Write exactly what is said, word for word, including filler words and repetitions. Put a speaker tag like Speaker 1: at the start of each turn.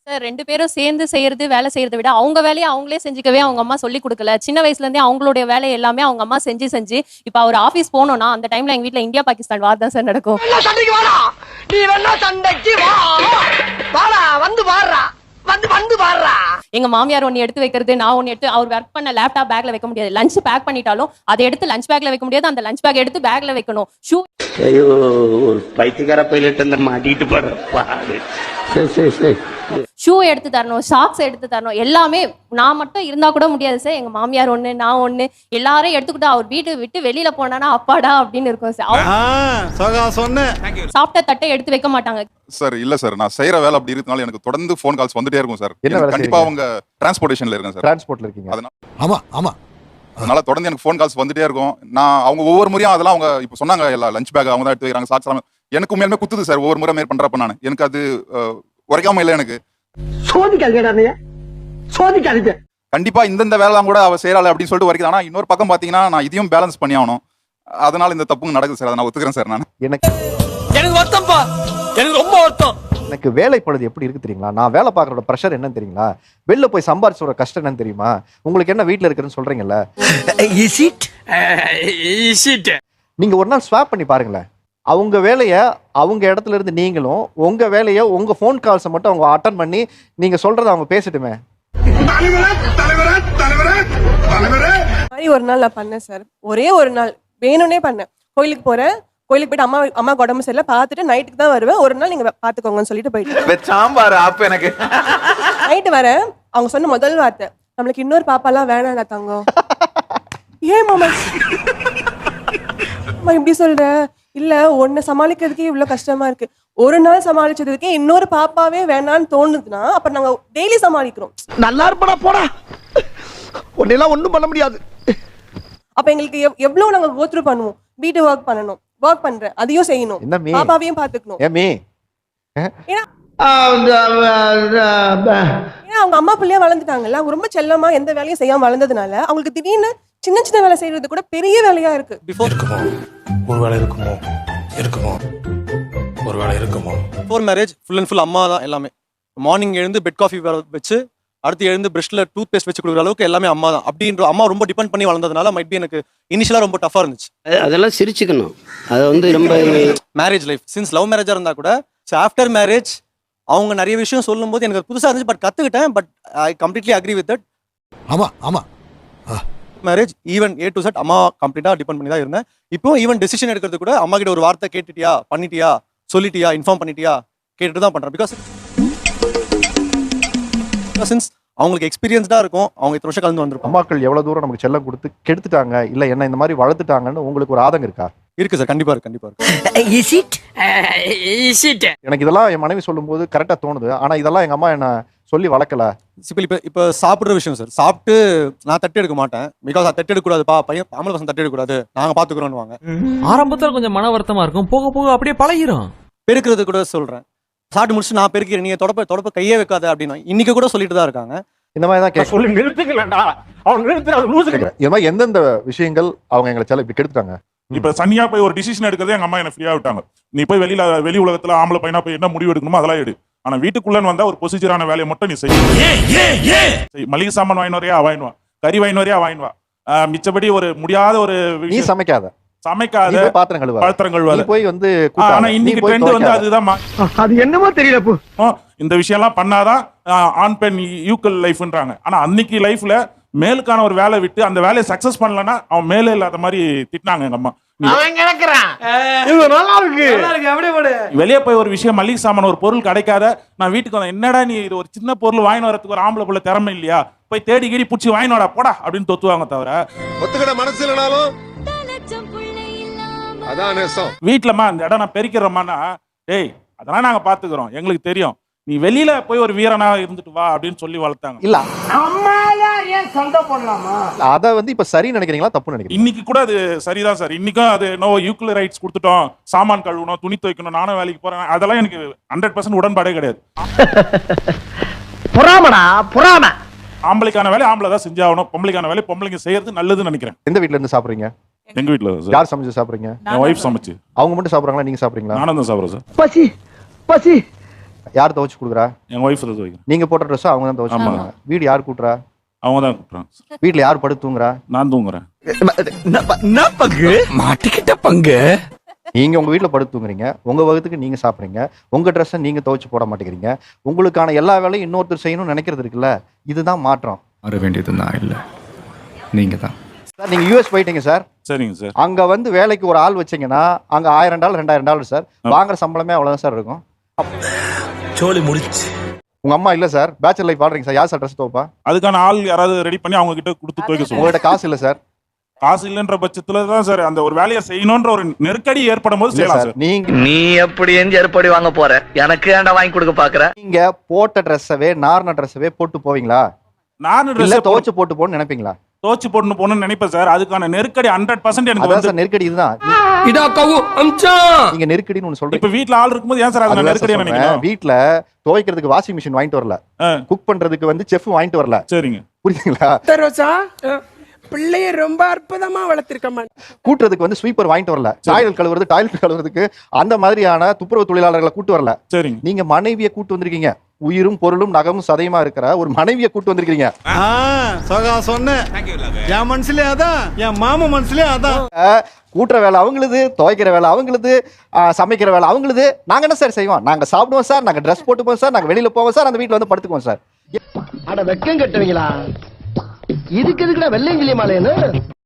Speaker 1: Sir ரெண்டு பேரும் சேர்ந்து செய்யறது, வேலை செய்யறத விட, அவங்க வேலைய அவங்களே செஞ்சுக்கவே அவங்க அம்மா சொல்லிக் குடுக்கல. சின்ன வயசுல இருந்தே அவங்களுடைய வேலை எல்லாமே அவங்க அம்மா செஞ்சு செஞ்சு, இப்ப அவர் ஆபீஸ் போனோம்னா, அந்த டைம்ல எங்க வீட்ல இந்தியா பாகிஸ்தான் வார் தான் சார் நடக்கும்.
Speaker 2: சண்டைக்கு வாடா, நீ வேணா சண்டைக்கு வா, வாடா வந்து பாடுறா, வந்து வந்து பாடுறா.
Speaker 1: எங்க மாமியார் ஒன்னு எடுத்து வைக்கிறது, நான் ஒன்னு எடுத்து அவர் ஒர்க் பண்ண லேப்டாப் பேக்ல வைக்க முடியாது. லஞ்ச் பேக் பண்ணிட்டாலும் அதை எடுத்து லஞ்ச் பேக்ல வைக்க முடியாது. அந்த லஞ்ச் பேக் எடுத்து பேக்ல வைக்கணும். ஷூ
Speaker 3: ஐயோ, ஒரு பைத்தியக்கார பைலட் அந்த மாட்டிட்டு போறப்பா. சரி சரி சரி
Speaker 1: ஷூ எடுத்து தரணும், சாக்ஸ் எடுத்து தரணும். எல்லாமே நான் மட்டும் இருந்தா கூட முடியாது சார். எங்க மாமியார் ஒண்ணு, நான் ஒண்ணு, எல்லாரும் எடுத்துக்கிட்டு அவர் வீட்டு விட்டு வெளியில போனானா அப்பாடா அப்படின்னு இருக்கும் சார். சாப்பிட்ட தட்டை எடுத்து வைக்க மாட்டாங்க
Speaker 4: சார். இல்ல சார், நான் செய்யற வேலை அப்படி இருக்கனால எனக்கு தொடர்ந்து ஃபோன் கால்ஸ் வந்துட்டே இருக்கும் சார். கண்டிப்பா அவங்க டிரான்ஸ்போர்ட்டேஷன்ல இருக்கேன் சார்.
Speaker 5: டிரான்ஸ்போர்ட்ல இருக்கீங்க.
Speaker 4: அதனால
Speaker 5: ஆமா ஆமா
Speaker 4: அதனால தொடர்ந்து எனக்கு ஃபோன் கால்ஸ் வந்துட்டே இருக்கும். நான் அவங்க ஒவ்வொரு முறையும் அதெல்லாம் அவங்க இப்போ சொன்னாங்க, எல்லா லஞ்ச் பேக் அவங்க தான் எடுத்து வைக்கிறாங்க, சாக்ஸ் எல்லாம் எனக்கு உண்மையாலுமே குத்துது சார். ஒவ்வொரு முறை மேல் பண்றப்ப நான் எனக்கு அது உரைக்காம இல்லை. எனக்கு
Speaker 2: சோதிக்காதீங்க, சோதிக்காதீங்க.
Speaker 4: கண்டிப்பா இந்தந்த வேலை கூட அவ செய்யறாள் அப்படின்னு சொல்லிட்டு வரைக்கும். ஆனா இன்னொரு பக்கம் பாத்தீங்கன்னா நான் இதையும் பேலன்ஸ் பண்ணி ஆகணும். அதனால இந்த தப்புங்க நடக்குது சார். அதை நான் ஒத்துக்கிறேன் சார். நான்
Speaker 5: எனக்கு
Speaker 2: எனக்கு வருத்தம்ப்பா, எனக்கு ரொம்ப வருத்தம்.
Speaker 5: எனக்கு வேலை பழுது எப்படி இருக்கு தெரியுங்களா? நான் வேலை பார்க்கறோட ப்ரெஷர் என்னன்னு தெரியுங்களா? வெளில போய் சம்பாரிச்சோட கஷ்டம் என்னன்னு தெரியுமா? உங்களுக்கு என்ன வீட்டுல இருக்குன்னு சொல்றீங்கல்ல,
Speaker 2: இஸ் இட் இஸ் இட்
Speaker 5: நீங்க ஒரு நாள் ஸ்வாப் பண்ணி பாருங்களேன். அவங்க வேலையை அவங்க இடத்துல இருந்து நீங்களும், உங்க வேலையை உங்க ஃபோன் கால்ஸை மட்டும் அவங்க அட்டன் பண்ணி நீங்க சொல்றதை அவங்க பேசட்டுமே.
Speaker 6: மாதிரி ஒரு நாள் நான் பண்ணேன் சார். ஒரே ஒரு நாள் வேணும்னே பண்ணேன். கோயிலுக்கு போறேன், கோயிலுக்கு போயிட்டு அம்மா அம்மா உடம்பு சரியில்லை பார்த்துட்டு நைட்டுக்கு தான் வருவேன். ஒரு நாள் நீங்க பாத்துக்கோங்கன்னு சொல்லிட்டு போயிட்டு
Speaker 7: சாம்பார் ஆப் எனக்கு
Speaker 6: நைட்டு வரேன். அவங்க சொன்ன முதல் வார்த்தை, நம்மளுக்கு இன்னொரு பாப்பாலாம் வேணாம்டா தங்கம். ஏன் மாமா இப்படி சொல்ற? இல்ல ஒன்னு சமாளிக்கிறதுக்கே இவ்வளவு கஷ்டமா இருக்கு. ஒரு நாள் சமாளிச்சதுக்கே இன்னொரு பாப்பாவே வேணான்னு தோணுதுன்னா அப்ப நாங்க டெய்லி சமாளிக்கிறோம்.
Speaker 2: நல்லா இருப்படா போடா, உன்னெல்லாம் ஒண்ணும் பண்ண முடியாது.
Speaker 6: அப்ப எங்களுக்கு எவ்வளவு நாங்க கோ த்ரூ பண்ணுவோம். வீட்டு ஒர்க் பண்ணணும், ஒர்க் பண்றேன், அதையும் செய்யணும்,
Speaker 5: என்ன மீ
Speaker 6: பாப்பாவையும் பாத்துக்கணும்.
Speaker 5: ஏன் மீ
Speaker 6: ஏன்னா ஏன்னா அவங்க அம்மா பிள்ளையா வளர்ந்துட்டாங்கல்ல. அவங்க ரொம்ப செல்லமா எந்த வேலையும் செய்யாம வளர்ந்ததுனால அவங்களுக்கு திடீர்னு சின்ன சின்ன வேலை செய்யறது கூட பெரிய வேலையா இருக்கு.
Speaker 8: இருக்குமோ ஒரு வேலை இருக்குமோ இருக்குமோ ஒரு வேலை இருக்குமோ. Before marriage full and full அம்மா தான் எல்லாமே. மார்னிங் எழுந்து பெட் காஃபி வச்சு அடுத்து எழுந்து பிரஷ்ல டூத் பேஸ்ட் வச்சு கொடுக்குற அளவுக்கு எல்லாமே அம்மா தான். அப்படின்ற அம்மா ரொம்ப டிபெண்ட் பண்ணி வளர்ந்ததுனால மைட் பி எனக்கு இனிஷியலா ரொம்ப டஃபா இருந்துச்சு.
Speaker 3: அதெல்லாம் சிரிச்சுக்கணும். அது வந்து ரொம்ப
Speaker 8: மேரேஜ் லைஃப் சின்ஸ் லவ் மேரேஜா இருந்தா கூட ஆஃப்டர் மேரேஜ் அவங்க நிறைய விஷயம் சொல்லும் போது எனக்கு புதுசா இருந்துச்சு. பட் கத்துக்கிட்டேன். But I completely agree with that.
Speaker 5: ஆமா ஆமா
Speaker 8: marriage even A to Z அம்மா கம்ப்ளீட்டா டிபெண்ட் பண்ணி தான் இருந்தேன். இப்போ ஈவன் டெசிஷன் எடுக்கிறது கூட அம்மா கிட்ட ஒரு வார்த்தை கேட்டுட்டியா, பண்ணிட்டியா, சொல்லிட்டியா, இன்ஃபார்ம் பண்ணிட்டியா கேட்டுட்டு தான் பண்றேன். பிகாஸ் சின்ஸ் அவங்களுக்கு எக்ஸ்பீரியன்ஸ்டா இருக்கும். அவங்க இத்தனை வருஷம் கலந்து வந்திருப்பாங்க.
Speaker 5: அம்மாக்கள் எவ்வளவு தூரம் நமக்கு செல்லம் கொடுத்து கெடுத்துட்டாங்க, இல்ல என்ன இந்த மாதிரி வளர்த்துட்டாங்கன்னு உங்களுக்கு ஒரு ஆதங்கம் இருக்கா?
Speaker 8: இருக்கு சார், கண்டிப்பா இருக்கு, கண்டிப்பா இருக்கு.
Speaker 2: இஸ் இட் இஸ் இட்
Speaker 5: எனக்கு இதெல்லாம் என் மனைவி சொல்லும் போது கரெக்டா தோணுது. ஆனா இதெல்லாம் எங்க அம்மா என்ன சொல்லி வளர்க்கல.
Speaker 8: இப்போ இப்போ இப்போ சாப்பிட்ற விஷயம் சார், சாப்பிட்டு நான் தட்டு எடுக்க மாட்டேன். பிகாஸ் அது தட்டு எடுக்கக்கூடாதுப்பா, பையன் ஆம்பளை பசங்க தட்டு எடுக்கக்கூடாது, நாங்கள் பார்த்துக்குறோன்னு.
Speaker 7: ஆரம்பத்தில் கொஞ்சம் மன வருத்தமா இருக்கும், போக போக அப்படியே பழகிரும்.
Speaker 8: பெருக்கிறது கூட சொல்றேன், சாப்பிட்டு முடிச்சு நான் பெருக்கிறேன், நீங்க தொடப்ப தொடப்ப கையே வைக்காத அப்படின்னு இன்னைக்கு கூட சொல்லிட்டு தான் இருக்காங்க.
Speaker 5: இந்த மாதிரி தான் கேட்க சொல்லி நிறுத்துக்கலடா, அவன் நிறுத்துறாங்க. இந்த மாதிரி எந்தெந்த விஷயங்கள் அவங்க எங்களை செல்ல இப்படி கெடுத்துட்டாங்க?
Speaker 9: இப்ப சனியா போய் ஒரு டிசிஷன் எடுக்கிறதே எங்க அம்மா என்ன ஃப்ரீயா விட்டாங்க. நீ போய் வெளியில வெளி உலகத்துல ஆம்பளை பையனா போய் என்ன முடிவு எடுக்கணுமோ அதெல்லாம் எடு. ஆனா வீட்டுக்குள்ளன்னு வந்தா ஒரு ப்ரொசீஜரான வேலையை மட்டும் நீ செய்ய. மளிகை சாமான் வாங்கின வரையா வாங்கினுவா, கறி வாங்கின வரையா வாங்கினுவா. மிச்சபடி ஒரு முடியாத ஒரு
Speaker 5: நீ சமைக்காத
Speaker 9: சமைக்காத
Speaker 5: பாத்திரம் கழுவ
Speaker 9: பாத்திரம் கழுவாத
Speaker 5: போய் வந்து.
Speaker 9: ஆனா இன்னைக்கு ட்ரெண்ட் வந்து அதுதான்.
Speaker 2: அது என்னமோ தெரியல.
Speaker 9: இந்த விஷயம் எல்லாம் பண்ணாதான் ஆண் பெண் ஈக்குவல் லைஃப்ன்றாங்க. ஆனா அன்னைக்கு லைஃப்ல மேலுக்கான ஒரு வேலை விட்டு அந்த வேலையை சக்சஸ் பண்ணலன்னா அவன் மேலே இல்லாத மாதிரி திட்டினாங்க எங்க அம்மா. வெளியே போய் ஒரு விஷயம் மளிகை சாமான் ஒரு பொருள் கிடைக்காத நான் வீட்டுக்கு வந்தேன், என்னடா நீ இது ஒரு சின்ன பொருள் வாங்கி வரதுக்கு ஒரு ஆம்பளை பிள்ளை திறமை இல்லையா, போய் தேடி கீடி பிடிச்சி வாங்கினோடா போடா அப்படின்னு தொத்துவாங்க. தவிர
Speaker 10: ஒத்துக்கிட மனசு இல்லைனாலும் அதான் நேசம்.
Speaker 9: வீட்டுலமா அந்த இடம் நான் பெருக்கிறோமானா, டேய் அதெல்லாம் நாங்க பாத்துக்கிறோம், எங்களுக்கு தெரியும், நீ வெளியில போய் ஒரு வீரனா இருந்துட்டு வா அப்படின்னு சொல்லி வளர்த்தாங்க.
Speaker 5: இல்ல அத வந்து இப்ப சரி நினைக்கிறீங்களா தப்பு நினைக்கிறீங்க?
Speaker 9: இன்னைக்கு கூட அது சரிதான் சார். இன்னைக்கும் அது நோ ஈக்குவல் ரைட்ஸ் கொடுத்துட்டோம், சாமான் கழுவணும், துணி துவைக்கணும், நானும் வேலைக்கு போறேன், அதெல்லாம் எனக்கு ஹண்ட்ரட் பர்சன்ட் உடன்பாடே கிடையாது.
Speaker 2: புறாமடா புறாம.
Speaker 9: ஆம்பளைக்கான வேலை ஆம்பளை தான் செஞ்சாகணும், பொம்பளைக்கான வேலை பொம்பளைங்க செய்யறது நல்லதுன்னு நினைக்கிறேன்.
Speaker 5: எந்த வீட்ல இருந்து சாப்பிடுறீங்க?
Speaker 9: எங்க வீட்டுல
Speaker 5: யார் சமைச்சு சாப்பிடுறீங்க?
Speaker 9: என் ஒய்ஃப் சமைச்சு.
Speaker 5: அவங்க மட்டும் சாப்பிடுறாங்களா, நீங்க சாப்பிடுறீங்களா?
Speaker 9: நானும் தான் சாப்பிடுறேன் சார்.
Speaker 2: பசி பசி
Speaker 5: யார் துவைச்சு கொடுக்குறா?
Speaker 9: எங்க ஒய்ஃப் தான் துவைக்கிறேன்.
Speaker 5: நீங்க போட்ட ட்ரெஸ் அவங்க தான் துவைச்சு
Speaker 9: ஆமா.
Speaker 5: கொடுக்குறாங்க. வீடு யார் கூட்டுறா?
Speaker 9: அவங்க தான் கூப்பிட்றாங்க.
Speaker 5: வீட்டுல யார் படுத்து தூங்குறா?
Speaker 9: நான் தூங்குறேன்.
Speaker 2: மாட்டிக்கிட்ட பங்கு.
Speaker 5: நீங்க உங்க வீட்டுல படுத்து தூங்குறீங்க, உங்க வகுத்துக்கு நீங்க சாப்பிடுறீங்க, உங்க ட்ரெஸ்ஸை நீங்க துவைச்சு போட மாட்டேங்கிறீங்க, உங்களுக்கான எல்லா வேலையும் இன்னொருத்தர் செய்யணும்னு நினைக்கிறது இருக்குல்ல, இதுதான் மாற்றம்.
Speaker 11: வர வேண்டியது நான் இல்லை, நீங்க தான்.
Speaker 5: சார் நீங்க யூஎஸ் போயிட்டீங்க சார்.
Speaker 9: சரிங்க சார்.
Speaker 5: அங்க வந்து வேலைக்கு ஒரு ஆள் வச்சீங்கன்னா அங்க ஆயிரம் டாலர் ரெண்டாயிரம் டாலர் சார், வாங்குற சம்பளமே அவ்வளவுதான் சார் இருக்கும்.
Speaker 2: சோலி முடிச்சு.
Speaker 5: உங்க அம்மா இல்ல சார், பேச்சுலர் லைஃப் வாழ்றீங்க சார், யார் சார் ட்ரெஸ் துவைப்பா?
Speaker 9: அதுக்கான ஆள் யாராவது ரெடி பண்ணி அவங்க கிட்ட கொடுத்து துவைக்க சொல்லுவோம்.
Speaker 5: உங்கள்ட்ட காசு இல்ல சார்.
Speaker 9: காசு இல்லைன்ற பட்சத்துல தான் சார் அந்த ஒரு வேலையை செய்யணும்ன்ற ஒரு நெருக்கடி ஏற்படும் போது செய்யலாம் சார்.
Speaker 5: நீங்க
Speaker 2: நீ எப்படி எந்த ஏற்பாடு வாங்க போற? எனக்கு ஏன்டா வாங்கி கொடுக்க பாக்குற?
Speaker 5: நீங்க போட்ட ட்ரெஸ்ஸவே நார்ன ட்ரெஸ்ஸவே போட்டு போவீங்களா?
Speaker 9: நான்
Speaker 5: இல்ல
Speaker 9: ட்ரெஸ்
Speaker 5: துவைச்சு போட்டு போன்னு நினைப்பீங்களா?
Speaker 9: துவைச்சு போட்டு போகணும்னு நினைப்பேன் சார். அதுக்கான நெருக்கடி ஹண்ட்ரட் பர்சன்ட் எனக்கு
Speaker 5: அதான்
Speaker 9: வந்து
Speaker 5: சார் நெருக்கடி இதுதான்.
Speaker 2: இதா கவு அம்சா.
Speaker 5: நீங்க நெருக்கடின்னு ஒண்ணு சொல்றீங்க.
Speaker 9: இப்ப வீட்ல ஆள் இருக்கும்போது ஏன் சார் அதுல நெருக்கடி நினைக்கிறேன்?
Speaker 5: வீட்ல துவைக்கிறதுக்கு வாஷிங் மிஷின் வாங்கிட்டு வரல, குக் பண்றதுக்கு வந்து செஃப் வாங்கிட்டு வரல.
Speaker 9: சரிங்க.
Speaker 5: புரியுதுங்களா?
Speaker 2: ரோசா பிள்ளைய ரொம்ப அற்புதமா வளர்த்திருக்கமா.
Speaker 5: கூட்டுறதுக்கு வந்து ஸ்வீப்பர் வாங்கிட்டு வரல, டாய்லெட் கழுவுறது டாய்லெட் கழுவுறதுக்கு அந்த மாதிரியான துப்புரவு தொழிலாளர்களை கூட்டு வரல.
Speaker 9: சரிங்க.
Speaker 5: நீங்க மனைவியை கூட்டு வந்திருக்கீங்க. உயிரும் பொருளும் நகமும் சதையுமா இருக்கிற ஒரு மனைவியை கூட்டு வந்திருக்கீங்க.
Speaker 10: சகா சொன்னேன். என் மனசுலயே அதான், என் மாமா மனசுலயே அதான்.
Speaker 5: கூட்டுற வேலை அவங்களுது, துவைக்கிற வேலை அவங்களுது, சமைக்கிற வேலை அவங்களுது. நாங்க என்ன சார் செய்வோம்? நாங்க சாப்பிடுவோம் சார், நாங்க ட்ரெஸ் போட்டுப்போம் சார், நாங்க வெளியில போவோம் சார், அந்த வீட்டுல வந்து படுத்துக்குவோம் சார்.
Speaker 2: அட வெக்கம் கட்டுவீங்களா? இதுக்கு எதுக்குடா வெள்ளையங்கிலி மாலைன்னு?